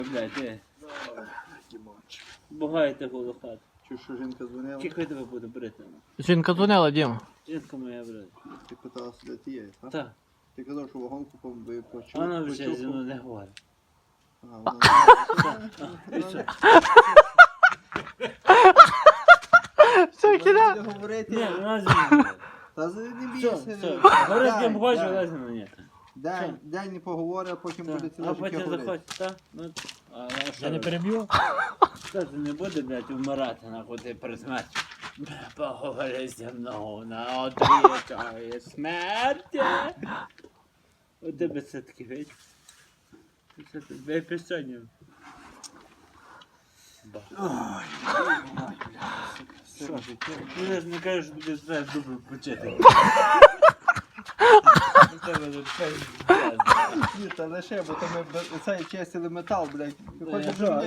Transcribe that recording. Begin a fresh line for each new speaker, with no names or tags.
Блядь, ти. Бугаєте голу хату.
Чи що жінка дзвонила?
Тільки тебе буду брити.
Жінка дзвонила, Діма.
Жінка моя брати.
Ти питалася, де ти є, так?
Так.
Ти казав, що вагонку почув.
Вона вже зі мною не говорить.
Вона...
І що?
Все, кіда.
Буде говорити.
Ні, вона зі мною не говорить.
Та не
Все,
бійся.
все. Говорить, я бачу, вона зі мною ні.
День не поговорить, а потім буде
Так.
ціле
А
життя
потім
говорити.
заходь, так? Ну, а що?
Я не переб'ю?
Та ти не буде, блядь, вмирати, нахуй, ти перед смертю. Поговори зі мною на одрічає смерті. У тебе все таки вийде. Я пісонів.
Все життя.
Ну, я ж не кажу, що тобі знаєш добре почати. У тебе тут пейс.
Ні, та лише, бо то ми цей чистили метал, блядь. Ти
Та
хочеш,
я
щоб
що?
мені